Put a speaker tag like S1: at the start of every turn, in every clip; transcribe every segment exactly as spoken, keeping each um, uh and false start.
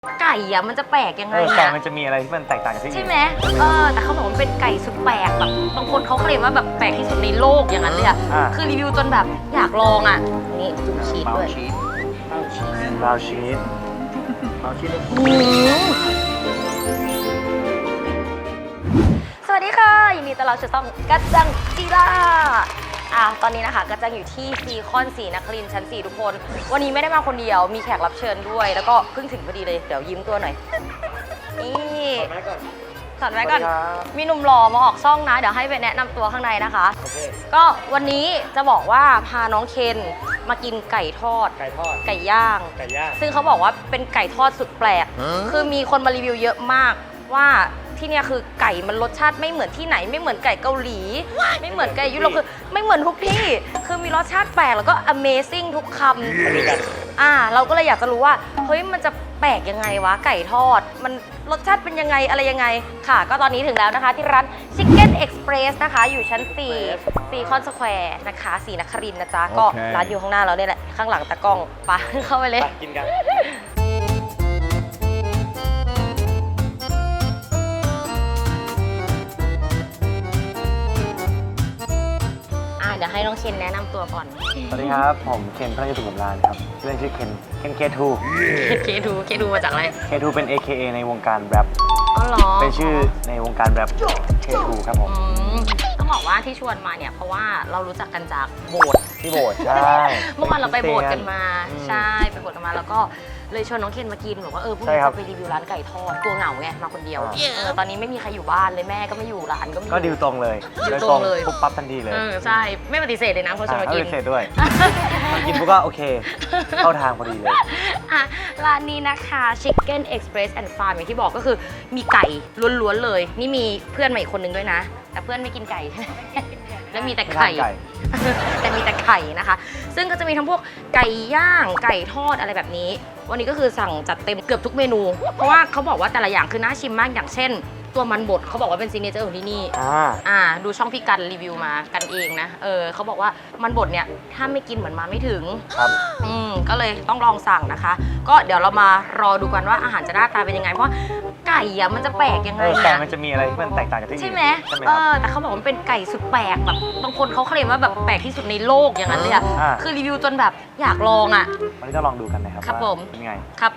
S1: ไก่อะมันจะแปลกยังไง
S2: เออไก่
S1: อะ
S2: มันจะมีอะไรที่มันแตกต่างจากที่อื่น
S1: ใช่ไหมเออแต่เขาบอกว่ามันเป็นไก่สุดแปลกแบบบางคนเขาเคลมว่าแบบแปลกที่สุดในโลกอย่างนั้นเลยอะ
S2: อ่า
S1: คือรีวิวจนแบบอยากลองอะนี่จุ่มชีสด้วย
S2: บราวน์ชีสบราวน์ชีส
S1: อืมสวัสดีค่ะยินดีต้อนรับสู่ช่องกัจจังจีราอ่ะตอนนี้นะคะกัจจังอยู่ที่ซีคอนศรีนครินทร์ชั้นสี่ทุกคนวันนี้ไม่ได้มาคนเดียวมีแขกรับเชิญด้วย แล้วก็เพิ่งถึงพอดีเลยเดี๋ยวยิ้มตัวหน่อยนี่
S2: แม่ก่อน
S1: ถอดไว้ก่อนมีหนุ่มหล่อมาออกช่องนะเดี๋ยวให้ไปแนะนำตัวข้างในนะคะ
S2: โอเค
S1: ก็วันนี้จะบอกว่าพาน้องเคนมากินไก่ทอด
S2: ไก่ทอด
S1: ไก่ย่าง
S2: ไก่ย่าง
S1: ซึ่งเขาบอกว่าเป็นไก่ทอดสุดแปลก คือมีคนมารีวิวเยอะมากว่าที่เนี่ยคือไก่มันรสชาติไม่เหมือนที่ไหน ไม่เหมือนไก่เกาหลี ไม่เหมือนไก่ยุโรปคือไม่เหมือนทุกที่ คือมีรสชาติแปลกแล้วก็ Amazing ทุกคำอ่าเราก็เลยอยากจะรู้ว่าเฮ้ยมันจะแปลกยังไงวะไก่ทอด มันรสชาติเป็นยังไงอะไรยังไงค่ะ ก็ตอนนี้ถึงแล้วนะคะที่ร้าน Chicken Express นะคะอยู่ชั้นสี่ซีคอนสแควร์นะคะศรีนครินทร์นะจ๊ะก็ร้านอยู่ข้างหน้าเราเนี่ยแหละข้างหลังตะกล้องไปเข้าไปเลย
S2: ไปกินกัน
S1: เดี๋ยวให้น้องเคนแนะนำตัวก่อน
S2: สวัสดีครับ ผมเคนพระยุทธบุญรานครับชื่อเล่นชื่อเคนเคนเคทู
S1: เคทูเคทูมาจากอะไร
S2: เคทูเป็น เอ เค เอ ในวงการแรป
S1: อ๋อเหรอ
S2: เป็นชื่อในวงการแรปเคทูครับผม
S1: อืมต้องบอกว่าที่ชวนมาเนี่ยเพราะว่าเรารู้จักกันจากโบสถ์
S2: ที่โบสถ์ใช่
S1: เมื่อวานเราไปโบสถ์กันมา
S2: อืม
S1: ใช่ไปโบสถ์กันมาแล้วก็เลยชวนน้องเคนมากินบอกว่าเออพรุ่ง
S2: ใช่
S1: นี้
S2: ครับ
S1: จะไปรีวิวร้านไก่ทอดตัวเหงาไงมาคนเดียว
S2: อ่า
S1: เออตอนนี้ไม่มีใครอยู่บ้านเลยแม่ก็ไม่อยู่ร้านก็ไม่อยู่
S2: ก็ดิวตรงเลย
S1: ดิวตรงเลย
S2: ปุ๊บปั๊บทันทีเลย
S1: เออใช่ไม่ปฏิเสธเลยนะเพราะชวนมา
S2: อ่า
S1: กิ
S2: ไม่
S1: น
S2: เสร็จด้วยมากินปุ๊บก็โอเค เข้าทางพอดีเลย
S1: อ่ะร้านนี้นะคะ Chicken Express and Farm อย่างที่บอกก็คือมีไก่ล้วนๆเลย นี่มีเพื่อนมาอีกคนนึงด้วยนะ แต่เพื่อนไม่กินไก่ แล้วมีแต่ไข่
S2: ไม่ทานไก่
S1: แต่มีแต่ไข่นะคะ ซึ่งก็จะมีทั้งพวกไก่ย่างไก่ทอดอะไรแบบนี้ วันนี้ก็คือสั่งจัดเต็มเกือบทุกเมนู เพราะว่าเขาบอกว่าแต่ละอย่างคือน่าชิมมากอย่างเช่น ตัวมันบดเขาบอกว่าเป็นซิกเนเจอร์ของที่นี่
S2: อ่า
S1: อ่าดูช่องพี่กันรีวิวมากันเองนะเออเขาบอกว่ามันบดเนี่ยถ้าไม่กินเหมือนมาไม่ถึง
S2: ครับ
S1: อืมก็เลยต้องลองสั่งนะคะ ก็เดี๋ยวเรามารอดูกันว่าอาหารจะหน้าตาเป็นยังไง เพราะไก่อะมันจะแปลกยังไง
S2: เออไก่
S1: อะ
S2: มันจะมีอะไรที่มันแตกต่างจากที่อื่น
S1: ใช่ไหม
S2: ใช่ไหม
S1: เอ
S2: ครับ
S1: อแต่เขาบอกว่ามันเป็นไก่สุดแปลกแบบบางคนเขาเคลมว่าแบบแปลกที่สุดในโลกอย่างนั้นเลยอะ
S2: อ่า
S1: คือรีวิวจนแบบอยากลองอะ
S2: วันนี้จะลองดูกันนะครับ
S1: ครับ
S2: ว่า
S1: ผม
S2: เป็นไง
S1: ครับ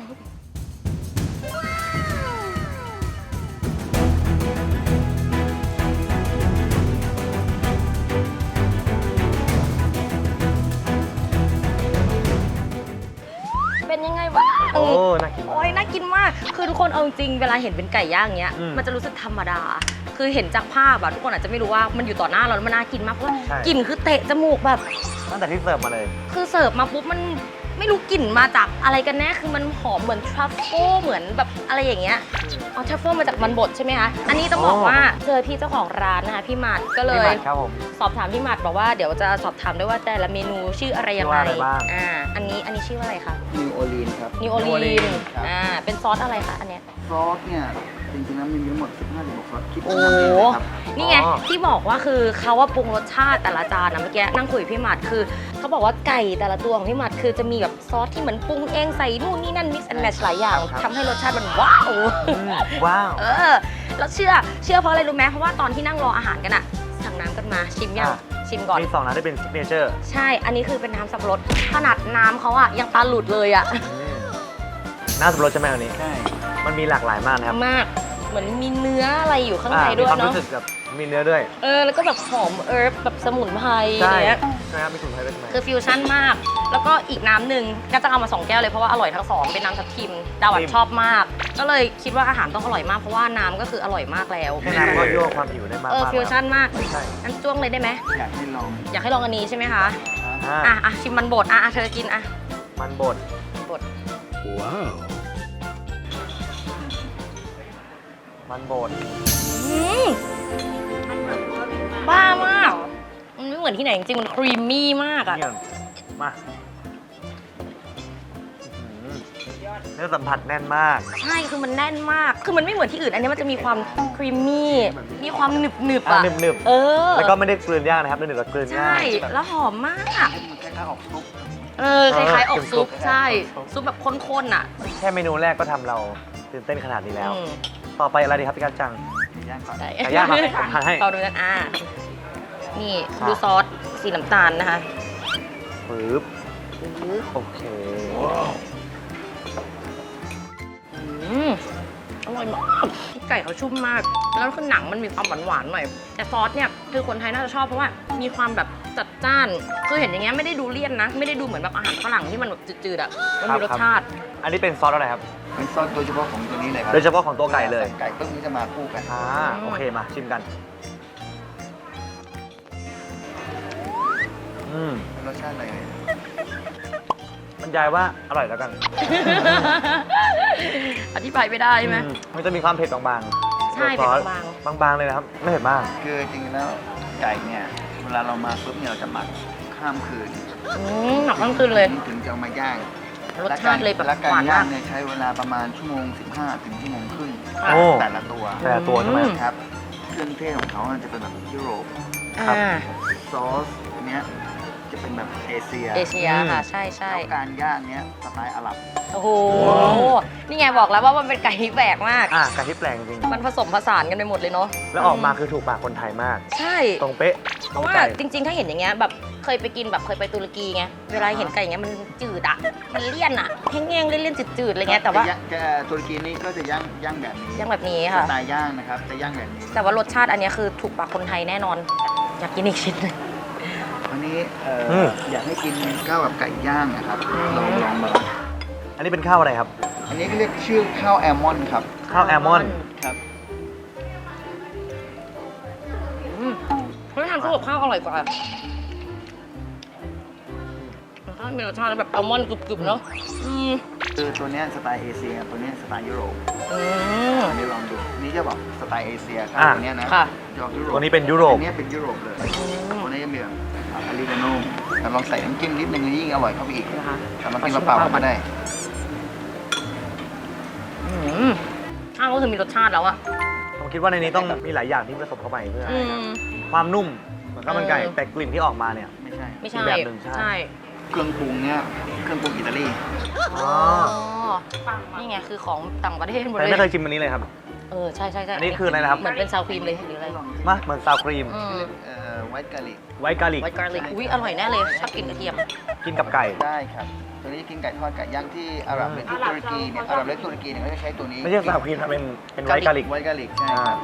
S1: เป็นยังไงบ้าง
S2: โอ้น่ากินมาก
S1: โอ้ยน่ากินมาก คือทุกคนเอาจริงเวลาเห็นเป็นไก่ย่างเงี้ย
S2: อืม
S1: มันจะรู้สึกธรรมดา คือเห็นจากภาพอะทุกคนอาจจะไม่รู้ว่ามันอยู่ต่อหน้าเราแล้วมันน่ากินมากเพราะว่า
S2: ใช่
S1: กลิ่นคือเตะจมูกแบบ
S2: ตั้งแต่ที่เสิร์ฟมาเลย
S1: คือเสิร์ฟมาปุ๊บมันไม่รู้กลิ่นมาจากอะไรกันแน่ คือมันหอมเหมือนทรัฟเฟิลเหมือนแบบอะไรอย่างเงี้ยอ๋อทรัฟเฟิลมาจากมันบดใช่ไหมคะ อันนี้ต้องบอกว่าเจอพี่เจ้าของร้านนะคะพี่หมัดก็เล
S2: พี่ห
S1: ย
S2: มัดครับผม
S1: สอบถามพี่หมัดบอกว่าเดี๋ยวจะสอบถามด้วยว่าแต่ละเมนูชื่ออะไรยังไง
S2: ชื่อว่าอะไรบ้าง
S1: อ่าอันนี้อันนี้ชื่อว่าอะไรคะ
S3: นิวโอลีนครับ
S1: นิวโอ
S2: New
S1: ลีน
S2: Orleans
S3: ครับ
S1: อ่าเป็นซอสอะไรคะอันเนี้ย
S3: ซอสเนี่ยจริงๆแล้วมีทั้งหมด สิบห้าถึงหกซอสคิด
S1: โอ้
S3: ทำเองเลยครับ
S1: นี่ไง
S2: อ๋อ
S1: ที่บอกว่าคือเขาว่าปรุงรสชาติแต่ละจานนะเมื่อกี้นั่งคุยกับพี่หมัดคือเขาบอกว่าไก่แต่ละตัวของพี่หมัดคือจะมีแบบซอสที่เหมือนปรุงเองใส่นู่นนี่นั่น mix and match หลายอย่างทำให้รสชาติมันว้าว
S2: อืมว้าว
S1: เออแล้วเชื่อเชื่อเพราะอะไรรู้ไหมเพราะว่าตอนที่นั่งรออาหารกันอะสั่งน้ำกันมาชิมยัง
S2: อ่ะ
S1: ชิมก่อน
S2: มีสองน้ำที่เป็นซิกเนเจอร์
S1: ใช่อันนี้คือเป็นน้ำสับปะรดขนาดน้ำเขาอะยังตาหลุดเลยอะ
S2: น้ำสับปะรดใช่ไหมอันนี้
S3: ใช่
S2: มันมีหลากหลายมากนะครับ
S1: มากเหมือนมีเนื้ออะไรอยู่ข้างใน
S2: อ่า
S1: ด้วย
S2: มีความ
S1: เนาะ
S2: รู้สึกแบบมีเนื้อด้วย
S1: เออแล้วก็แบบหอมเอิร์บแบบสมุนไพร
S2: ใช่
S1: เนี้ย
S2: ใช่ครับมีสมุนไพรด้วยใช่ไหม
S1: คือฟิวชั่นมาก แล้วก็อีกน้ำหนึ่งก็จะเอามาสองแก้วเลยเพราะว่าอร่อยทั้งสองเป็นน้ำทับทิมดาวัดชอบมาก ก็เลยคิดว่าอาหารต้องอร่อยมากเพราะว่าน้ำก็คืออร่อยมากแล้ว
S2: แค่น้ำก็ยั่วความหิวได้มาก
S1: เออ
S2: มาก
S1: ฟิวชั่นมาก
S2: ใช่
S1: อันจ้วงเลยได้ไหม
S3: อยากให้ลอง
S1: อยากให้ลองอันนี้ใช่ไหมคะ
S2: อ่า
S1: อ่ะอ่ะชิมมันบดอ่ะอ่ะเธอกินอ่ะ
S2: มันบด
S1: บด
S2: มันบด
S1: อืมบ้ามากมันไม่เหมือนที่ไหนจริงๆมันครีมมี่มากอ่ะ
S2: เนี่ยมาอื้อหือเนื้อสัมผัสแน่นมาก
S1: ใช่คือมันแน่นมากคือมันไม่เหมือนที่อื่นอันนี้มันจะมีความครีมมี่มีความหนึบหนึบๆ
S2: อ่ะ
S1: อ่ะ
S2: หนึบ
S1: เออ
S2: ๆแล้วก็ไม่ได้กลืนยากนะครับหนึบๆแล้วกลืน
S1: ใช่
S2: ง่ายแบบ
S1: แล้วหอมมาก
S3: มันคล้ายๆออกซุป
S1: เออคล้ายๆออกซุป
S2: ซุป
S1: ใช่
S2: ซุป
S1: ซุปแบบข้นๆอ่ะ
S2: แค่เมนูแรกก็ทำเราตื่นเต้นขนาดนี้แล้ว
S1: อืม
S2: ต่อไปอะไรดีครับพี่กัจจัง
S3: ย่างก่อน
S1: ได้
S2: ไก่ย่างครับผมทานให้
S1: เราดูกันอ่านี่
S2: ครับ
S1: ดูซอสสีน้ำตาลนะคะ
S2: ปึ๊บ
S1: อื้อ
S2: โอเค
S1: อืมอร่อยมากไก่เขาชุ่มมาก แล้วคือหนังมันมีความหวานๆหน่อย แต่ซอสเนี่ยคือคนไทยน่าจะชอบเพราะว่ามีความแบบจัดจ้าน คือเห็นอย่างเงี้ยไม่ได้ดูเลี่ยนนะ ไม่ได้ดูเหมือนแบบอาหารฝรั่งที่มันแบบจืดๆอ่ะ มันมีรสชาติ
S2: อันนี้เป็นซอสอะไรครับ
S3: เป็นซอสโดยเฉพาะของตัวนี้เลยครั
S2: โดยเฉพาะของตัวไก่เลย
S3: ไก่ปุ๊บนี้จะมาคู่กัน
S2: อ่าโอเคมาชิมกัน อืม
S3: รสชาติอะไรเลย
S2: บรรยายว่าอร่อยแล้วกัน
S1: อธิบายไม่ได้ใช่ไหม
S2: อืมมันจะมีความเผ็ดบางๆ
S1: ใช่
S2: ตัวซอส
S1: เผ็ดบาง
S2: บางๆเลยนะครับ ไม่เผ็ดมาก
S3: คือจริงๆแล้วไก่เนี่ยเวลาเรามาปุ๊บเนี่ยเราจะหมักข้ามคืน
S1: อืมหนักทั้งคืนเลย
S3: ถึงจะเอามาย่าง
S1: รสชาติเลยแบบ
S3: และกา
S1: หวาร น
S3: ย่าม
S1: าง ก
S3: เนี่ยใช้เวลาประมาณชั่วโมง สิบห้า ถึงชั่วโมงครึ่ง
S1: ค่ะ
S2: โอ้
S3: แต่ละตัว
S2: แต่ตัวใช่ไหม
S1: อืม
S3: ครับเครื่องเทศของเขาจะเป็นแบบยุโรป
S2: ครับ
S1: อ่า
S3: ซอสเนี้ยจะเป็นแบบเอเชีย
S1: เอเชียค่ะ ใช่ใช่
S3: แล้วการย่างเนี้ยสไตล์อาหรับ
S1: โอ้โห นี่ไงบอกแล้วว่ามันเป็นไก่ที่แปลกมาก
S2: อ่ะไก่ที่แปลงจริง
S1: มันผสมผสานกันไปหมดเลยเนาะ
S2: แล้วออกมาคือถูกปากคนไทยมาก
S1: ใช่
S2: ตรงเป๊ะ
S1: เพราะว่า
S2: ไก่
S1: จริงๆ ถ้าเห็นอย่างเงี้ยแบบเคยไปกินแบบเคยไปตุรกีไง เวลาเห็นไก่อย่างเงี้ยมันจืดอ่ะ มันเลี่ยนอ่ะแห้งๆเลี่ยนๆจืดๆอะไรเงี้ย แต่ว่า
S3: จะย่งจะตุรกีนี่ก็จะย่างย่างแบบนี้
S1: ย่างแบบนี้
S3: ส
S1: ค่ะ
S3: ไตล์ย่างนะครับจะย่างแบบนี้
S1: แต่ว่ารสชาติอันเนี้ยคือถูกปากคนไทยแน่นอน อยากกินอีกชิ้นหนึง
S3: วันนี้เอ่ออ
S2: ม
S3: อยากให้กินข้าวแบบไก่ย่างนะครับ
S1: อืม
S3: ลองลองมา
S2: อันนี้เป็นข้าวอะไรครับ
S3: อันนี้ก็เรียกชื่อข้าวแอลมอนด์ครับ
S2: ข้าวแอลมอนด์
S3: ครับ
S1: อืมเฮ้ยทานคู่กับข้าวอร่อยกว่าข้าวมีรสชาติแบบอัลมอนด์กรึบๆเนาะอืม
S3: คือตัวเนี้ยสไตล์เอเชียตัวเนี้ยสไตล์ยุโรป
S1: อืม
S3: อันนี้ลองดูนี่จะบอกสไตล์เอเชียข้าว
S2: อ่ะ
S3: ตัวเนี้ยนะ
S1: ค่ะ
S3: จะออกยุโรป
S2: ตัวนี้เป็นยุโรป
S3: อันเนี้ยเป็นยุโรปเลยตัวนี้จะมีแบบอาริกาโน่แต่ลองใส่น้ำจิ้มนิดนึงยิ่งอร่อยเข้าไปอีก
S1: นะคะ
S3: แต่มันกินเปล่าๆก็ได้
S1: อืมข้าวก็คือมีรสชาติแล้วอะ
S2: ผมคิดว่าในนี้ต้องมีหลายอย่างที่ผสมเข้าไปเพื่อ
S1: อืม
S2: ความนุ่มเหมือนข้าวมันไก่
S1: เออ
S2: แต่กลิ่นที่ออกมาเนี่ย
S3: ไม่ใช่
S1: ไม่ใช่
S2: อีกแบบหนึ่งใช่
S1: ใช่
S3: เครื่องปรุงเนี้ยเครื่องปรุงอิตาลี
S2: อ๋อ
S1: นี่ไงคือของต่างประเทศหมด
S2: แต่
S1: เลย
S2: ไม่เคยชิมอันนี้เลยครับ
S1: เออใช่ใช่ใช่
S2: อันนี้คืออะไรนะครับ
S1: เหมือนเป็นซาวครีมเลยหรืออะไร
S2: มาเหมือนซาวครีม
S1: อืม
S3: เอ่อไวท์กาลิก
S2: ไวท์กาลิก
S1: ไวท์การลิกอุ้ยอร่อยแน่เลยชอบกินกระเทียม
S2: กินกับไก่
S3: ได้ครับ ตัวนี้กินไก่ทอดไก่ย่างที่อาหรับหรือที่ตุรกีเนี่ยอาหรับและตุรกีเนี่ยเขาจะใช้ตัวนี้
S2: ไม่ใช่ซาวครีมครับเป็นเป็นไวท์กาลิก
S3: ไวท์กาลิกใช่ครับ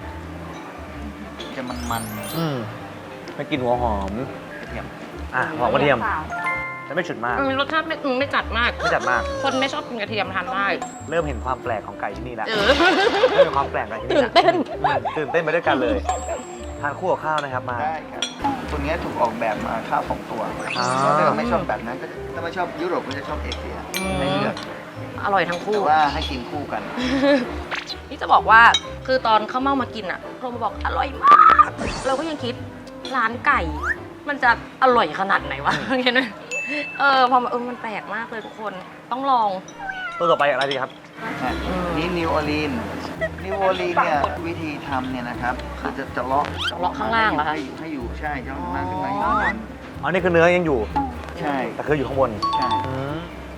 S3: จะมัน
S2: อืมไม่กลินหัวหอม
S3: ๆกระเทียม
S2: อ่ะหอมกระเทียมแต่ไม่ฉุนมาก
S1: อืมรสชาติไม่อืมไม่จัดมาก
S2: ไม่จัดมาก
S1: คนไม่ชอบกินกระเทียมทานได้
S2: เริ่มเห็นความแปลกของไก่ที่นี่แล้ว
S1: เออ
S2: เริ่มเห็นความแปลกของไก่ที่นี่
S1: ตื่นเต้น
S2: อืมตื่นเต้นไปด้วยกันเลย ทานคู่กับข้าวนะครับมา
S3: ได้ครับ ตัวเนี้ยถูกออกแบบมาข้าวสองตัว
S2: อ๋อ
S3: ถ้าเราไม่ชอบแบบนั้นก็ถ้าไม่ชอบยุโรปก็จะชอบเอเชีย
S1: อืม
S3: ให้เลือก
S1: อร่อยทั้งคู่
S3: แต่ว่าให้กินคู่กัน
S1: นี่จะบอกว่าคือตอนข้าวเม่ามากินอ่ะโทรมาบอกอร่อยมาก เราก็ยังคิดร้านไก่ มันจะอร่อยขนาดไหนวะเงี้ยนะเออพอมาเออมันแปลกมากเลยทุกคนต้องลอง
S2: ตัวต่อไปอะไรดีครับ
S1: อืม
S3: นี่นิวออร์ลีนนิวออร์ลีนเนี่ยวิธีทำเนี่ยนะครับคือจะจะเลาะ
S1: เลาะข้างล่างเหรอคะ
S3: ให้อยู่ให้อยู่ใช่จะเลาะข้างล่างขึ้นมาอยู่ข้างบน
S2: อ๋อ นี่คือเนื้อยังอยู่
S3: ใช่
S2: แต่คืออยู่ข้างบน
S3: ใช่
S2: อืม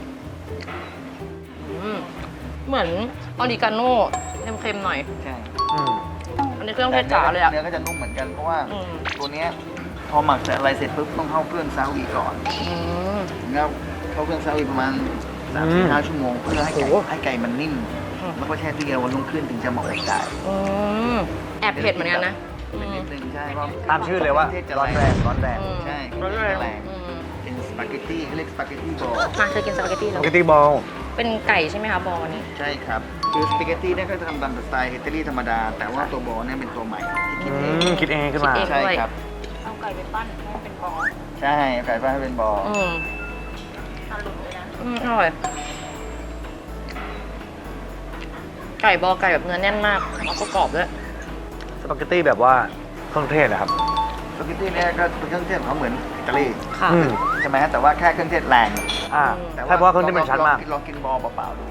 S1: อืมเหมือนออริกาโน่เค็มๆหน่อย
S3: ใช่
S2: อืม
S1: อันนี้เครื่องเทศจ๋าเลยอ่ะ
S3: เนื้อก็จะนุ่มเหมือนกันเพราะว่า
S1: อืม
S3: ตัวเนี้ยพอหมักเสร็จอะไรเสร็จปุ๊บต้องเข้าเครื่องซาอุก่อน
S1: อืม
S3: แล้วเข้าเครื่องซาอุประมาณสาม
S2: อื
S3: ถึ
S2: ม
S3: งห้าชั่วโมงเพื่อให้ไก่
S1: โอ้โห
S3: ให้ไก่มันนิ่ม
S1: อืม
S3: แล้วก็แช่ตู้เย็นวันรุ่งขึ้นถึงจะเหมาะกับไก่
S1: อืมแอบเผ็ดเหมือนกันนะอื
S3: เป็น
S1: ม
S3: นิดนึงใช่เพราะ
S2: ตามชื่อเลยว่า
S3: เคงเทศจะ
S2: ร้อนแรงร้อนแรง
S1: อืม
S3: ใช่
S1: ร้อนแรง
S3: แรง
S1: อืม
S3: เป็นสปาเกตตี้เขาเรียกสปาเกตตี้บอล
S1: มาเคยกินสปาเกตตี้
S2: ส
S1: แล้ว
S2: ปาเกตตี้บอล
S1: เป็นไก่ใช่ไหมคะบอลนี้
S3: ใช่ครับคือสปาเกตตี้เนี่ยก็จะทำตามสไตล์อิตาลีธรรมดา แต่ว่าตัวบอลเนี่ยเป็นตัวใหม่ที่คิ
S2: อื
S3: ดเอง
S2: มคิดเองขึ้นมา
S1: คิดเอง
S3: ใช่ครับ
S1: เอาไก่ไปปั้นให้เป็นบอล
S3: ใช่ไก่บ้านให้เป็นบอล
S1: อืมอืมอร่อย ไก่บอลไก่แบบเนื้อแน่นมากแล้วก็กรอบด้วย
S2: สปาเกตตี้แบบว่าเครื่องเทศเหรอครับ
S3: สปาเกตตี้เนี่ยก็เป็นเครื่องเทศของเขาเหมือนอิตาลี
S1: ค่ะ
S2: อืม
S3: ใช่ไหมแต่ว่าแค่เครื่องเทศแรง
S2: อ่า
S1: อืม
S3: แต่
S2: ใช่เพราะว่าเครื่องเทศมันชัดมาก
S3: ลองลองกินบอลเปล่าๆดู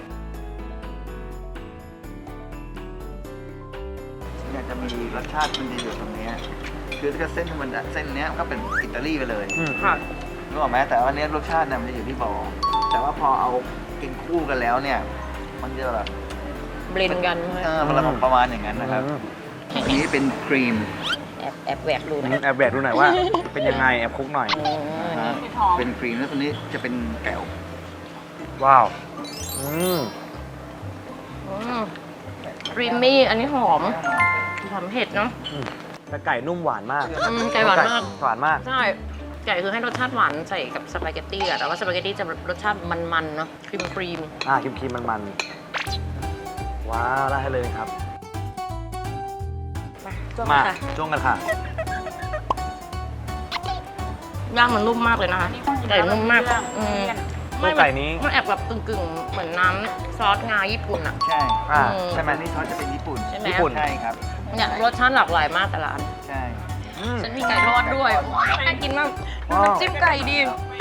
S3: อยากจะมีรสชาติมันดีอยู่ตรงเนี้ยคือถ้าเส้นธรรมดาเส้นเนี้ยก็เป็นอิตาลีไปเลย
S2: อืม
S1: ค่ะ
S3: รรู้ไหมแต่ว่าเนี้ยรสชาติเนี่ยมันจะอยู่ที่บอแต่ว่าพอเอากินคู่กันแล้วเนี่ยมันจะแบบ
S1: เบลนด์กันใช่ไหม
S3: เออมันประมาณอย่างนั้นนะครับ
S2: อืม
S3: อันนี้เป็นครีม
S1: แอบแอบแหวกดูหนะ
S2: แอบแบกดูหน่อยว่า เป็นยังไงแอบคลุกหน่อย
S3: นะฮะเป็นครีมแล้วตัวนี้จะเป็นแก้ว
S2: ว้าว อืม
S1: ครีมมี่อันนี้หอมหอมเผ็ดเนาะ
S2: แต่ไก่นุ่มหวานมาก
S1: อืมไก่หวานมาก
S2: หวานมาก
S1: ใช่ไก่คือให้รสชาติหวานใส่กับสปาเกตตี้อะแต่ว่าสปาเกตตี้จะรสชาติมันๆเนาะครีมครีม
S2: อ่าครีมๆมันๆ ว้าวได้เลยครับ
S1: มาจ้วง
S2: มา
S1: ค่ะ
S2: จ้วงกันค่ะ
S1: ย่างมันนุ่มมากเลยนะคะไก่นุ่มมากอืม
S2: ตัวไก่นี้
S1: มันแอบแบบกึ่งๆ เหมือนน้ำซอสงาญี่ปุ่นอะ
S3: ใช่
S2: อ่า
S1: อืม
S2: ใช่ไหม
S3: อันนี้ซอสจะเป็นญี่ปุ่น
S1: ใช่ไหม
S2: ญี่ปุ่น
S3: ใช่ครับ
S1: เนี่ยรสชาติหลากหลายมากแต่ละอัน
S3: ใช่
S2: อืม
S1: ฉันมีไก่ทอดด้วยน่ากินมาก
S2: ว้าว
S1: น้ำจิ้มไก่ดี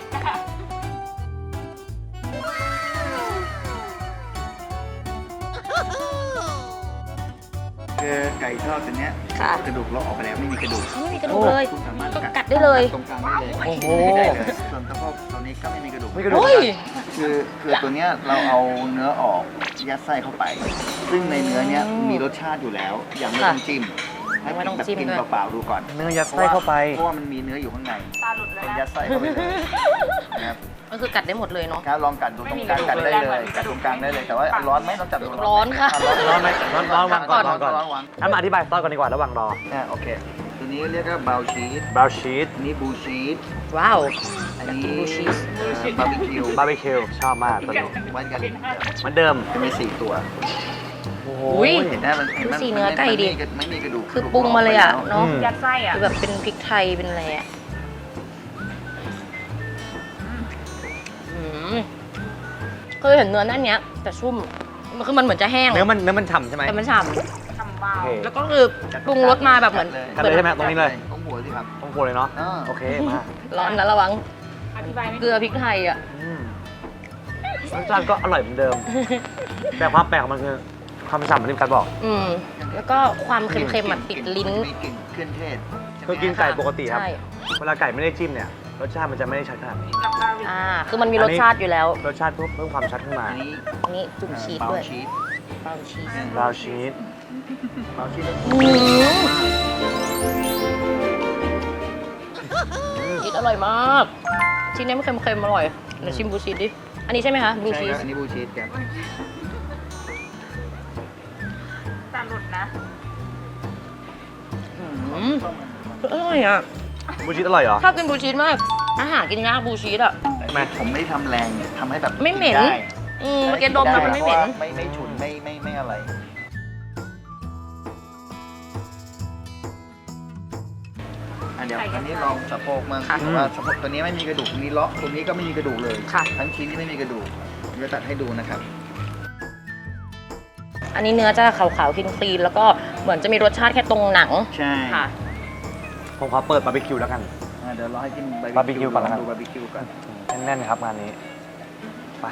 S3: คือไก่ทอดตัวเนี้ย
S1: ค่ะ
S3: กระดูกเราออกไปแล้วไม่มีกระดูก
S1: ไม่มีกระดูกเลย
S3: คุณสามารถ
S1: ก็กัดได้เลย
S3: ตรงกลางได้เลย
S2: โอ้โห
S3: ได้เลยส่วนสะโพกตัวนี้ก็ไม่มีกระดูก
S2: ไม่กระดูก
S1: โอ้ย
S3: คือคือตัวเนี้ยเราเอาเนื้อออกยัดไส้เข้าไป ซึ่งในเนื้อเนี้ยมีรสชาติอยู่แล้วยังไม่ต้องจิ้มให้
S1: ไม่ต้อง
S3: แบบ
S1: จิ้ม
S3: กิน
S1: ด้วย
S3: เปล่าๆดูก่อน
S2: เนื้อยัดไส้เข้าไป
S3: เพราะว่ามันมีเนื้ออยู่ข้างในยัดไส้เข้าไปเลยนะครับ
S1: ก็คือกัดได้หมดเลยเนาะ
S3: ครับลองกัดดูตรงกลางกัดได้เลยกัดตรงกลางได้เลยแต่ว่าร้อนไหมต้องจับดู
S1: ร้อนค่ะ
S3: ร้อน
S2: ร้อนไหมร้อนร้อนวางก่อนวางก่อน
S3: ร้อนวาง
S2: งั้นมาอธิบายซอสก่อนดีกว่าระหว่างรอ
S3: อ่าโอเคตัวนี้เรียกว่าบราวน์ชีส
S2: บราวน์ชีส
S3: อันนี้บลูชีส
S1: ว้าว
S3: อันนี้
S1: บลูชีส
S3: บาร์บีคิว
S2: บาร์บีคิวชอบมากตัวนี้
S3: ไว้กัน
S2: เหมือนเดิม
S3: จะมีสี่ตัว
S2: โอ้โห
S1: อุ๊ย
S3: เห็นไหมมันเห็นไหม
S1: ดูสีเนื้อไก่ดิ
S3: มันไม่มีกระดูก
S1: คือปรุงมาเลยอะเนาะ
S2: อืม
S4: ยัดไส้อ่ะ
S1: คือแบบเป็นพริกไทยเป็นอะไรอะอืมเคยเห็นเนื้อนั่นเนี้ย แต่ชุ่มมันคือมันเหมือนจะแห้ง
S2: เนื้อมันเนื้อมันฉ่ำใช่ไหม
S1: แต่มันฉ่
S4: ทำวา
S2: โอ
S4: ว
S2: เค
S1: ำแล้วก็คือปรุงรสมาแบบเหมือน
S2: กันเลยใช่ไหมตรงนี้เลย
S3: ต้องหัวสิครับ
S2: ต้องโคเลยเนาะ
S3: อ่า
S2: โอเคมา
S1: ร้อนนะระวัง
S4: อธิบายไม่
S1: เกลือพริกไทยอ่ะ
S2: อืมรสชาติก็อร่อยเหมือนเดิม แต่ความแปลกของมันคือความฉ่ำเหมือนที่การบอก
S1: อืมแล้วก็ความเค็มๆมันติดลิ้น
S3: มีกลิ่นเครื่องเทศใช่ไหม
S2: คือกินไก่ปกติครับ
S1: ใช่
S2: เวลาไก่ไม่ได้จิ้มเนี่ย รสชาติมันจะไม่ได้ชัดขนาดนี้
S4: กับบาร์บี
S1: อ่า คือมันมีรสชาติอยู่แล้ว
S2: รสชาติเพิ่มเพิ่มความชัดขึ้นมา
S3: อันนี้
S1: อันนี้จุ่มชีส
S3: เบา
S1: ด้วย
S3: ชีส
S1: เบาชีส
S2: บราวน์ชีส
S3: เบาชีสแล้ว
S1: อืมชีสอร่อยมาก ชิ้นนี้มันเค็มๆอร่อยเดี๋ยวชิมบลูชีสดิ อันนี้ใช่ไหมคะบลู
S3: ใช่
S1: ชี
S3: ค
S1: ส
S3: รับอันนี้บลูชีสครับ
S4: ตาหลุดนะ
S1: อืมอร่อยอ่ะ
S2: บลูชีสอร่อยเหรอ
S1: ชอบกินบลูชีสมาก อาหารกินยากบลูชีสอ่ะ
S2: ไม่
S3: ผมไม่ได้ทำแรงเนี่ยทำให้แบบ
S1: ไม่เหม็น
S3: ได้
S1: อืมเมื่อกี้ดมแล้วมันไม่เหม็น
S3: พราะว่าไม่ไม่ฉุนไม่ไม่ไม่อะไร อ่ะเดี๋ยวอันนี้ลองสะโพกมั่ง
S1: ค่ะ
S3: เพราะว่าสะโพกตัวนี้ไม่มีกระดูกตัวนี้เลาะตัวนี้ก็ไม่มีกระดูกเลย
S1: ค่ะ
S3: ทั้งชิ้นที่ไม่มีกระดูกเดี๋ยวตัดให้ดูนะครับ
S1: อันนี้เนื้อจะขาวๆคลีนๆแล้วก็เหมือนจะมีรสชาติแค่ตรงหนัง
S3: ใช่
S1: ค่ะ
S2: ผมขอเปิดบาร์บีคิวแล้วกัน
S3: อ่ะเดี๋ยวรอให้กิน
S2: บาร์บีคิวก่อน
S3: ล
S2: แล้วกั
S3: อง
S2: น
S3: ดูบาร์บีคิวก่อน
S2: แน่นๆครับงานนี้ ไป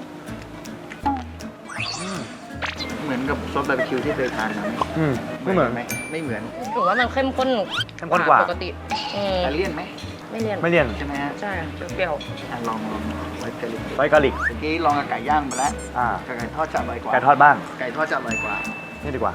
S2: อืม
S3: เหมือนกับซอสบาร์บีคิวที่เคยทานมาไหม
S2: อืมไม่เหมือน
S3: ไหมไม่เหมือน
S1: ถือว่ามันเข้มข้น
S2: เข้มข้นกว่า
S1: ปกติอืม
S3: อิตาเลียนไหม
S1: ไม่เลี่ยน
S2: ไม่เลี่ยน
S3: ใช่ไหมฮะ
S1: ใช่เปรี้ยว
S3: อ่ะลองลองไว้เกลิก
S2: ไว้กะหลิก
S3: เมื่อกี้ลองกับไก่ย่างไปแล้ว
S2: อ่า
S3: กับไก่ทอดจะอร่อยกว่า
S2: ไก่ทอดบ้าง
S3: ไก่ทอดจะอร่อยกว่า
S2: นี่ดีกว่า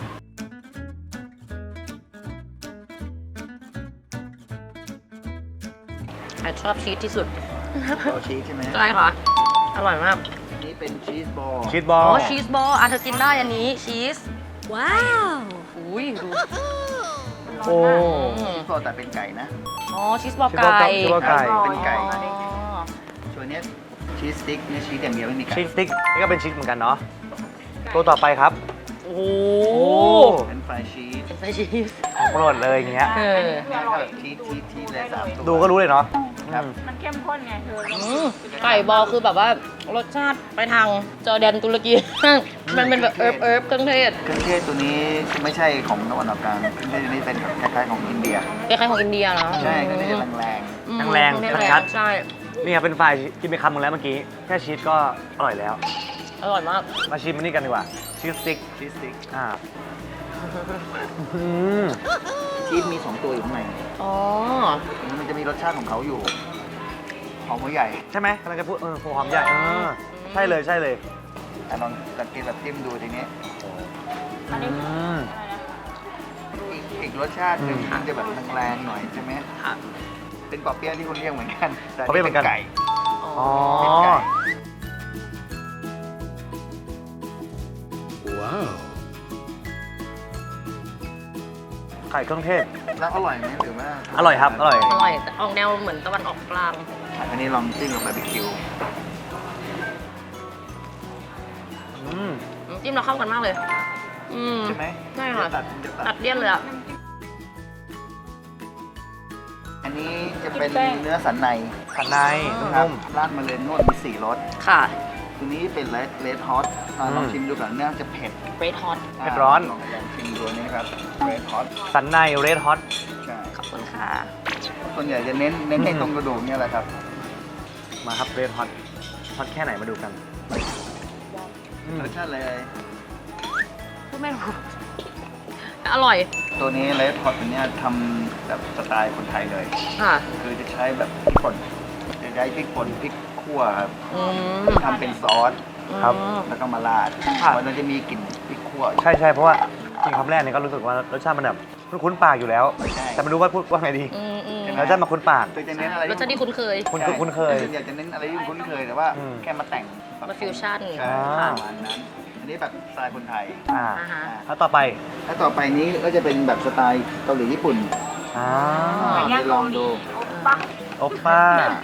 S1: ๆแต่ชอบชีสที่สุด
S3: เอาชีสใช่ไหม
S1: ใช่ค่ะ อร่อยมาก
S3: อันนี้เป็นชีสบอล
S2: ชีสบอ
S1: อ๋
S2: ล
S1: อชีสบอลอ่ะเธอกินได้อันนี้ชีส ว้าวอุ้ยดู
S2: โอ้
S1: อืม
S3: ชีสบอลแต่เป็นไก่นะ
S1: อ๋อชีสบอล
S2: ชีสบอล
S1: ไก่
S2: ชีสบอลไก่
S3: เป็นไก่
S1: อ๋อ
S3: ส่วนเนี้ยชีสสติ๊กเนี่ยชีสอย่างเดียวไม่มีไก่
S2: ชีสสติ๊กนี่ก็เป็นชีสเหมือนกันเนาะ ตัวต่อไปครับ
S1: โอ้โห
S3: เป็นฟรายชีส
S1: เป็นไส้ชีส
S2: ของโปรดเลยอย่างเงี้ย
S1: เออ
S3: แล้วก็ชีสชีสชีสเลยสามตัว
S2: ดูก็รู้เลยเนาะ
S3: ครับ
S2: อืม
S4: มันเข้มข้นไงเธอ
S1: อืมไก่บอลคือแบบว่ารสชาติไปทางจอร์แดนตุรกี มันเป็นแบบเอิบเอิบเครื่องเทศ
S3: เครื่องเทศตัวนี้ไม่ใช่ของตะวันออกกลางเครื่องเทศตัวนี้เป็นแบบคล้ายๆของอินเดีย
S1: คล้ายๆของอินเดียเนาะ
S3: ใช่เครื่องเทศแรง
S1: อืม
S2: แรง
S1: เครื่องเทศ
S2: ชัด
S1: ใช่
S2: นี่ครับเป็นไฟรายกินไปคำหนึงแล้วเมื่อกี้ แค่ชีสก็อร่อยแล้ว
S1: อร่อยมาก
S2: มาชิมมันนี่กันดีกว่า ชีสสติ๊ก
S3: ๆชีสสติ๊ก
S2: อ่าอืม
S3: ชีสมีสองตัวอยู่ข้างใน
S1: อ๋อ
S3: มันจะมีรสชาติของเขาอยู่
S1: ช
S3: หอมหัวใหญ่
S2: ใช่ไหมกำลังจะพูดเออหัวหอมใหญ่เออใช่เลยใช่เลย
S3: อ่ะลองลองกินแบบจิ้มดูทีนี้
S4: อันนี้
S2: อืม
S4: อะไรนะ
S3: อีกอีกรสชาติหนึ่ง
S2: อืม
S3: มันจะแบบแรงๆหน่อยใช่ไหม
S1: ค่ะ
S3: เป็นปอเปี๊ยะที่คุณเรียกเหมือนกันแต่
S2: ปอเปี๊ยะเหมือนกัน
S3: ไก่
S1: อ๋อ
S3: เป็นไก่
S2: ไข่เครื่องเทศ
S3: แล้วอร่อยไหมหรือว่า
S2: อร่อยครับอร่อย
S1: อร่อยแต่ออกแนวเหมือนตะวันออกกลาง
S3: อันนี้ลองจิ้มกับบาร์บีคิว
S2: อืม
S1: น้ำจิ้มเราเข้ากันมากเลย อืม
S3: ใช่ไหม
S1: ใช่ค่ะ
S3: เดี๋ยวตัดเดี๋ยว
S1: ตั
S3: ตั
S1: ด
S3: ด
S1: เลี่ยนเลยอ่ะ
S3: อันนี้จะเป็นเนื้อสันใน
S2: ขันใน
S3: ครับ
S2: นุ่ม
S3: ราดมาเลยนวดมีสี่รส
S1: ค่ะ
S3: ตัวนี้เป็นเลดเลดฮอตลอง
S2: อืม
S3: ชิมดูก่อนเนื้อจะเผ็ด
S1: เรดฮอต
S2: เผ็ดร้อน
S3: ลองลองชิมดูนี่ครับเลดฮอต
S2: สันในเรดฮอต
S3: ใช่
S1: ขอบคุณค่ะ
S3: ส่วนใหญ่จะเน้นเน้นใน
S2: อืม
S3: ตรงกระดูกเนี่ยแหละครับ
S2: มาครับเรดฮอตฮอตแค่ไหนมาดูกันอืม
S3: รสชาติเลย
S1: พูดไม่รู้อร่อย
S3: ตัวนี้เลดฮอตตัวเนี้ยทำแบบสไตล์คนไทยเลย
S1: ค่ะ
S3: คือจะใช้แบบพริกป่นจะใช้พริกป่นพริกคั่วครับ
S1: อืม
S3: ทำเป็นซอส
S2: ครับ
S1: อืม
S3: แล้วก็มาราด
S2: ค่ะ
S3: มันจะมีกลิ่นพริกคั่ว
S2: ใช่ใช่เพราะว่ากินคำแรกเนี่ยก็รู้สึกว่ารสชาติมันแบบคุ้นๆปากอยู่แล้ว
S3: ใช่
S2: แต่ไม่รู้ว่าพูดว่าไงดี
S1: อืมอืม
S2: รสชาติมาคุ้นปาก
S3: ตัวจะเน้นอะไร
S1: รสชาติที่คุ้นเคย
S2: คุ้น
S3: ใช่
S2: คุ้นเคย
S3: ส่วนใหญ่จะเน้นอะไรที่คุ้นเคยแต่ว่า
S2: อืม
S3: แค่มาแต่ง
S1: มาฟิวชั่น
S3: ใช่
S2: อ่า
S3: ประมาณนั้น อันนี้แบบสไตล์คนไทย
S2: อ่า
S1: อ่าฮะ
S2: แล้วต่อไป
S3: แล้วต่อไปนี้ก็จะเป็นแบบสไตล์เกาหลีญี่ปุ่น
S2: อ่า
S4: ไก่ย่าง
S3: ลองดู
S4: โอปะ
S2: โอปป้า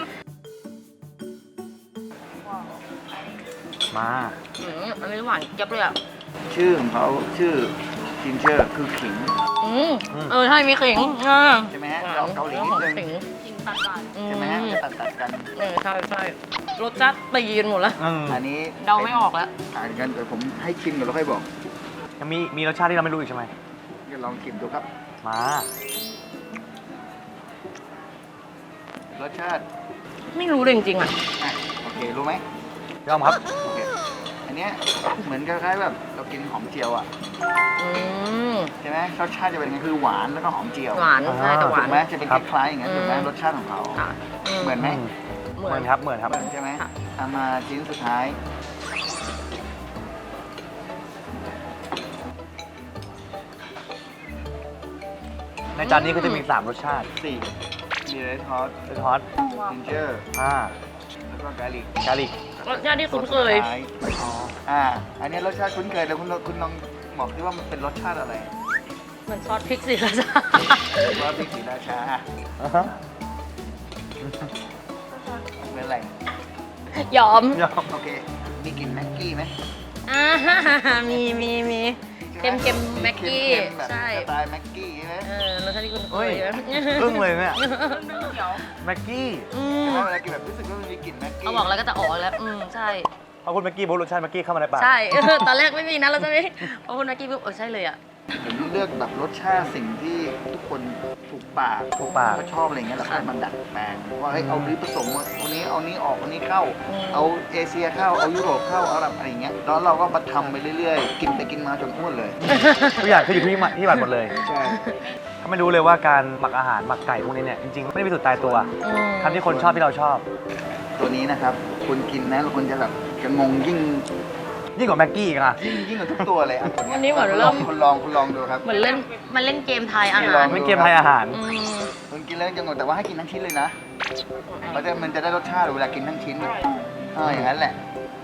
S2: มา
S1: อืมอันนี้หวานเจี๊ยับเลยอ่ะ
S3: ชื่อของเขาชื่อจินเจอร์คือขิง
S1: อืมเออใช่มีขิงอ่า
S3: ใช่ไหมฮะเราเกาหลีนิดนึง
S1: ขิง
S4: จริงตัดหวาน
S1: อื
S3: ใช่ไหมฮะจะตัดตัดๆกัน
S1: เออใช่ใช่รสชาติตีกันหมดแล้ว
S2: อืม
S3: อันนี้
S1: เดาไม่ออกแล้ว
S3: อ่านกันเดี๋ยวผมให้ชิมก่อนแล้วค่อยบอก
S2: ยังมีมีรสชาติที่เราไม่รู้อีกใช่ไหม
S3: เดี๋ยวลองชิมดูครับ
S2: มา
S3: รสชาติ
S1: ไม่รู้เลยจริงๆอ่ะ
S3: อ่ะโอเครู้ไหม
S2: ยอมครับ
S3: โอเคอันเนี้ยเหมือนคล้ายๆแบบเรากินหอมเจียวอ่ะ
S1: อืม
S3: ใช่ไหมรสชาติจะเป็นไงคือหวานแล้วก็หอมเจียว
S1: หวานใช่แต่ห
S3: ถู
S1: วาน
S3: กไหมจะเป็น
S2: ครับ
S3: คล้ายๆอย่างนั้นถูกไหม
S1: อืม
S3: รสชาติของเขา
S1: ค่ะ
S3: เหมือนไหม
S2: อืม
S1: เห
S2: เห
S1: มื
S2: มื
S1: อ
S2: อน นครับเหมือนครับ
S3: เหมือนใช่ไหม
S1: ค่ะ
S3: เอามาชิ้นสุดท้าย
S2: ในจานนี้ก็จะมีสามรสชาติ
S3: สี่มีเรดฮอต
S2: เรดฮอต
S3: จินเจอร์
S2: อ่า
S3: แล้วก็กาลิก
S2: กาลิก
S1: รสชาติที่คุ้นเคย
S3: สุดท้ายอ๋ออ่า อันนี้รสชาติคุ้นเคยแต่คุณคุณลองบอกดิว่ามันเป็นรสชาติอะไร
S1: เหมือนซอสพริกสิคะจ๊ะ
S3: ว่าพริกศรีราชา
S2: อ่าฮะ
S3: เป็นอะไร
S1: ยอม
S2: ยอม
S3: โอเค มีกลิ่นแม็กกี้ไหม
S1: อ่ามีมีมีเค็มเค็มแม็กกี้
S3: เค็มๆแบบ
S1: ใช่
S3: สไตล์แม็กกี้ใช่ไหม
S1: เออรสชาติที่คุ้นเค
S2: เฮ้ย
S1: ยนะ
S2: อึ้งเลยเนี่ย
S4: นึ่งเขียว
S2: แม็กกี้
S1: อื
S3: ใช่
S1: ม
S3: ไหมเวลากินแบบรู้สึกว่ามันมีกลิ่นแม็กกี้
S1: เอาบอกแล้วก็จะออกแล้ว อืมใช่
S2: พอคุณแม็กกี้บอกรสชาติแม็กกี้เข้ามาในปาก
S1: ใช่ ตอนแรกไม่มีนะเราจะไม่พอคุณแม็กกี้ปุ๊บเออใช่เลยอ่ะ
S3: ผมเลือกแบบรสชาติสิ่งที่ทุกคนถูกปาก
S2: ถูกปาก
S3: ก็ชอบอะไรเงี้ยแล้วก็
S1: ค่ะ
S3: มันดัดแปลงว่าเฮ้ยเอานี้ผสมเอานี้เอานี้ออกเอานี้เข้า
S1: อืม
S3: เอาเอเชียเข้าเอายุโรปเข้าเอาแบบอะไรเงี้ยแล้วเราก็มาทำไปเรื่อยๆ กินไปกินมาจนอ้วนเลย
S2: ทุกอย่างคืออยู่ที่หมักที่หมักหมดเลย
S3: ใช่
S2: ถ้าไม่รู้เลยว่าการหมักอาหารหมักไก่พวกนี้เนี่ยจริงๆไม่ได้มีสูตรตายตัว
S1: อืม
S2: ทำที่คนชอบที่เราชอบ
S3: ตัวนี้นะครับคุณกินนะแล้วคุณจะแบบจะงงยิ่ง
S2: ยิ่งกว่าแม็กกี้อีกอ่ะ
S3: ยิ่งยิ่งกว่าทุกตัวเลยอ่ะตัว
S1: วัน
S3: เนี้
S1: นี้
S3: ย
S1: เหมือนเริ่ม
S3: คุณลองคุณลองดูครับ
S1: เหมือนเล่นมันเล่นเกมทายอา
S3: ไม่
S1: หา
S3: ลอ
S1: รง
S2: ไม่เกมไทยอาหาร
S1: อืม
S3: คุณกินแล้วจะงงแต่ว่าให้กินทั้งชิ้นเลยนะมันจะมันจะได้รสชาติเวลากินทั้งชิ้นเอออย่างนั้นแหละ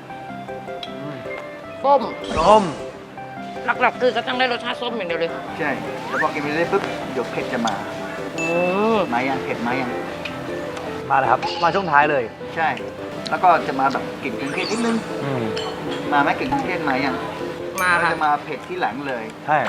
S1: ส้ม
S2: ส้ม
S1: หลักๆคือก็ต้องได้รสชาติส้มอย่างเดียวเลย
S3: ใช่แล้วพอกินไปเรื่อยๆปุ๊บเดี๋ยวเผ็ดจะมา
S1: อืม
S3: มายังเผ็ดมายัง
S2: มาแล้วครับ มาช่วงท้ายเลย
S3: ใช่ แล้วก็จะมาแบบกลิ่นเครื่องเทศนิดนึง
S2: อืม
S3: มาไหมกลิ่นเครื่องเทศมายัง
S1: มา
S3: แล้ว
S1: ค่ะ
S3: จะมาเผ็ดที่หลังเลย
S2: ใช่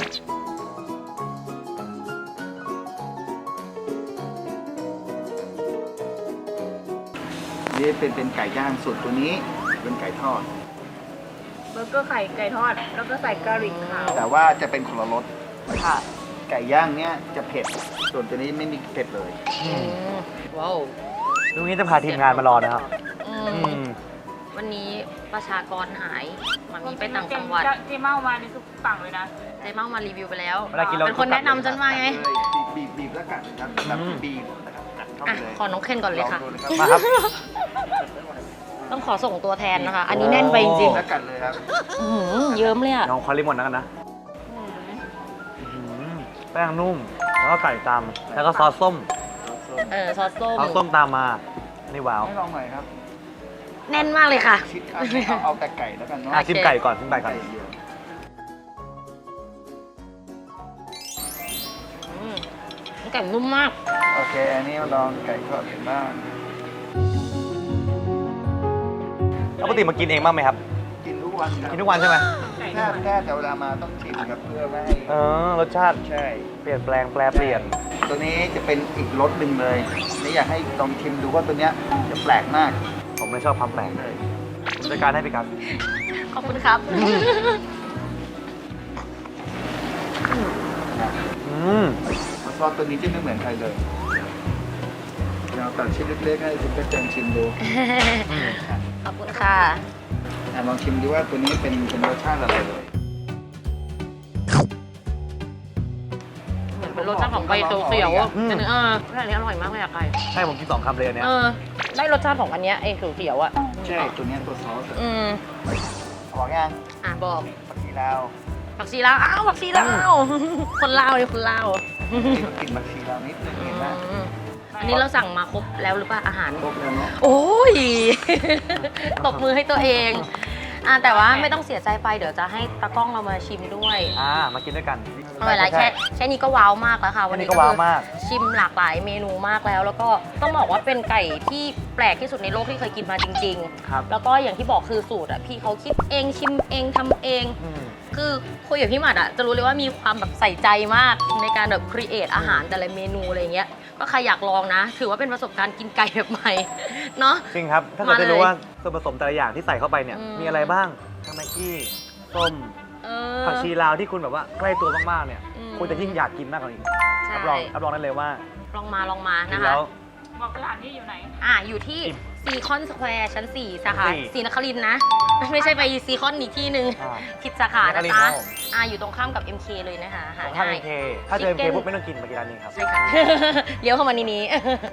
S3: นี่เป็นเป็นไก่ย่างส่วนตัวนี้เป็นไก่ทอด
S4: เบอร์เกอร์ไข่ไก่ทอด แล้วก็ใส่กะหรี่ขาว
S3: แต่ว่าจะเป็นคนละรส
S1: ค่ะ
S3: ไก่ย่างเนี้ยจะเผ็ด ส่วนตัวนี้ไม่มีเผ็ดเลย
S2: อื
S1: อื
S2: ม
S1: มว้าว
S2: ลุงนี้จะพาทีมงานมารอนะครับ
S1: อื
S2: อื
S1: ม
S2: ม
S1: วันนี้ประชากรหายมามีไปต่างจังหวัด
S4: เจเมามานี่คือสั่งเลยนะ
S1: เจ๊เมามารีวิวไปแล้ว
S2: เวลากินเรา
S1: เป็นคนแนะนำฉันมาไง
S3: บีบบีบบีบแล้วกัดนะครับแบบ
S2: อืม
S3: บีบนะครับกัดเข้า
S1: อ่ะ
S3: ไปเลย
S1: ขอน้องเคนก่อนเลยค่ะ
S3: งดูนะ
S2: มาครับ
S1: ต้องขอส่งตัวแทนนะคะ อันนี้แน่นไปจริง
S3: แล้วกันเลยครับ
S1: ๆอื้อหือเยิ้มเลยอ่ะ
S2: ลองคอริมอนแล้วกันนะอื้อหือแป้งนุ่ม แล้วก็ไก่ตาม แล้วก็ซอสส้ม
S1: เออซอสส้ม
S2: ซอสส้มตามมา นี่ว้าว
S3: ให้ลองหน่อยครับ
S1: แน่นมากเลยค่ะ
S3: ชิดเอาเอาเอาแต่ไก่แล้วกันเนาะ
S2: อ่ะชิมไก่ก่อนชิมไก่ก่อน
S3: ไก่เดียว
S1: อืมไก่นุ่มมาก
S3: โอเค อันนี้มาลองไก่ทอดกันบ้าง
S2: ปกติมากินเองบ้างไหมครับ
S3: กินทุกวันครับ
S2: กินทุกวันใช่ไหม
S3: แค่แค่แต่เวลามาต้องชิมครับเพื่อไม่ให้
S2: เออ รสชาติ
S3: ใช่
S2: เปลี่ยนแปลงแปลเปลี่ยน
S3: ตัวนี้จะเป็นอีกรสหนึ่งเลยนี่อยากให้ลองชิมดูว่าตัวเนี้ยจะแปลกมาก
S2: ผมไม่ชอบความแปลกเลยผมจัดการให้พี่ครับ
S1: ขอบคุณครับ
S2: อืม
S3: ซอสตัวนี้จะไม่เหมือนใครเลยเราตัดชิ้นเล็กๆให้คุณก็เจนชิมดู
S1: ขอบคุณค่ะ
S3: อ่ะลองชิมดูว่าตัวนี้เป็นเป็นรสชาติอะไรเลย
S1: เหมือนเป็นรสชาติของใบเขียวๆอ่ะแต่เนื้อเอออันนี้อร่อยมากเลยอะไก่
S2: ใช่ผมกินสองคำเลยอันเนี้ย
S1: เออ ได้รสชาติของอันเนี้ยไอ้เขียวๆอ่ะ
S3: ใช่ตัวเนี้ยตัวซอสอะ
S1: อืม
S3: บอกยัง
S1: อ่ะบอก
S3: ผักชีลาว
S1: ผักชีลาวอ้าวผักชีลาวคนลาวเลยคนลาว
S3: นี่ก็กลิ่นผักชีลาวนิดนึงเห็นไหม
S1: อืมอันนี้เราสั่งมาครบแล้วหรือเปล่าอาหาร
S3: ครบแล้วเนาะ
S1: โอ้ย ตบมือให้ตัวเองอ่ะแต่ว่าไม่ต้องเสียใจไปเดี๋ยวจะให้ตากล้องเรามาชิมด้วย
S2: อ่า มากินด้วยกัน
S1: อร่อยหลายแค่แค่นี้ก็ว้าวมากแล้วค่ะ
S2: วั
S1: วัน น
S2: นี้
S1: นี้
S2: ก็ว้าวมาก
S1: ชิมหลากหลายเมนูมากแล้ว แล้วก็ต้องบอกว่าเป็นไก่ที่แปลกที่สุดในโลกที่เคยกินมาจริง
S2: ครับ
S1: ๆ แล้วก็อย่างที่บอกคือสูตรอ่ะพี่เขาคิดเองชิมเองทำเอง
S2: อืม
S1: คือคุยกับพี่หมัดอ่ะจะรู้เลยว่ามีความแบบใส่ใจมากในการแบบครีเอทอาหารแต่ละเมนูอะไรเงี้ยก็ใครอยากลองนะ ถือว่าเป็นประสบการณ์กินไก่แบบใหม่ เนาะ
S2: จริงครับ ถ้าเกิด
S1: มาเลย
S2: จะรู้ว่าส่วนผสมแต่ละอย่างที่ใส่เข้าไปเนี่ย
S1: อืม
S2: มีอะไรบ้างทั้งแม็กกี้ ส้ม
S1: เออ
S2: ผักชีลาวที่คุณแบบว่าใกล้ตัวมากๆเนี่ย
S1: อืม
S2: คุณจะยิ่งอยากกินมากกว่านี้
S1: ใช่
S2: รับรองรับรองได้เลยว่า
S1: ลองมาลองมา
S2: กิ
S1: นะ
S2: น
S1: คะ
S2: แล้ว
S4: บอกสถานที่อยู่ไหน
S1: อ่าอยู่ที่ซีคอนสแควร์ชั้นสี่สาขา
S2: สี่
S1: ศรีนครินทร์นะ ไม่ใช่ไปซีคอนอีกที่หนึ่ง
S2: อ่า
S1: ผิดสาขา
S2: ศรี
S1: นะ
S2: นครินทร์
S1: จ๊ะ
S2: ครับผม
S1: อ่าอยู่ตรงข้ามกับ เอ็ม เค เลยนะคะหา
S2: ถ้า
S1: ง่า
S2: เอ็
S1: ย
S2: มเคถ้าเจอเอ็มเค
S1: Chicken
S2: ปุ๊บไม่ต้องกินมากินร้านนี้ครับ
S1: ใช่ค่ะ เลี้ยวเข้ามานี้นี้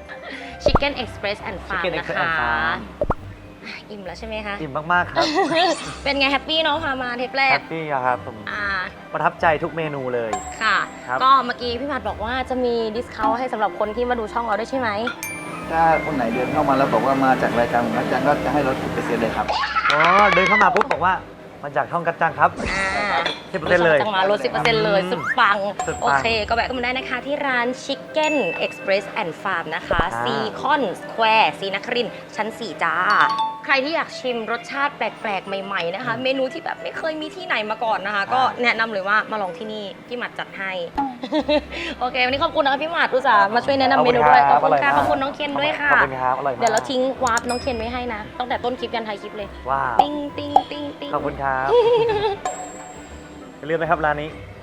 S1: Chicken Express and Farm
S2: Chicken
S1: นะ
S2: Express
S1: คะ
S2: and Farm
S1: อิ่มแล้วใช่ไหมคะ
S2: อิ่มมากๆครับ
S1: เป็นไงแฮปปี้เนาะพามาเทปแร
S2: แฮ
S1: ก
S2: ปปี้อะครับผม
S1: อ่า
S2: ประทับใจทุกเมนูเลย
S1: ค่ะ
S2: ครับ
S1: ก็เมื่อกี้พี่หมัดบอกว่าจะมีดิสคาวให้สำหรับคนที่มาดูช่องเราด้วยใช่ไหม
S3: ถ้าคนไหนเดินเข้ามาแล้วบอกว่ามาจากรายการของอาจารย์ก็จะให้ลดสิบเปอร์เซ็นต์เลยครับ
S2: อ๋อเดินเข้ามาปุ๊บบอกว่ามาจากช่องกัจจังครับ
S1: อ่า
S2: สิบเปอร์เซ็นต์เลย
S1: จังหวะลด สิบเปอร์เซ็นต์ เลย
S2: อืม
S1: สุดปัง
S2: สุดปัง
S1: โอเค ก็แวะกันมาได้นะคะที่ร้าน Chicken Express and Farm นะคะ
S2: อ่า
S1: ซีคอนสแควร์ศรีนครินทร์ชั้น สี่ จ้า ใครที่อยากชิมรสชาติแปลกๆ ใหม่ๆ นะคะ เมนูที่แบบไม่เคยมีที่ไหนมาก่อนนะคะ ก็แนะนำเลยว่ามาลองที่นี่ พี่หมัดจัดให้ โอเค วันนี้ขอบคุณนะคะพี่หมัดอุตส่าห์มาช่วยแนะนำเมนูด้วย ขอบคุณค่ะขอบคุณน้องเคนด้วยค่ะ
S2: ขอบคุณครับอร่อยมาก
S1: เดี๋ยวเราทิ้งวาร์ปน้องเคนไว้ให้นะ ตั้งแต่ต้นคลิปยันท้ายคลิปเลย
S2: ว้าว
S1: ติ้งติ้งติ้งติ้ง
S2: ขอบคุณครับ อย่าลืมนะครับร้านนี้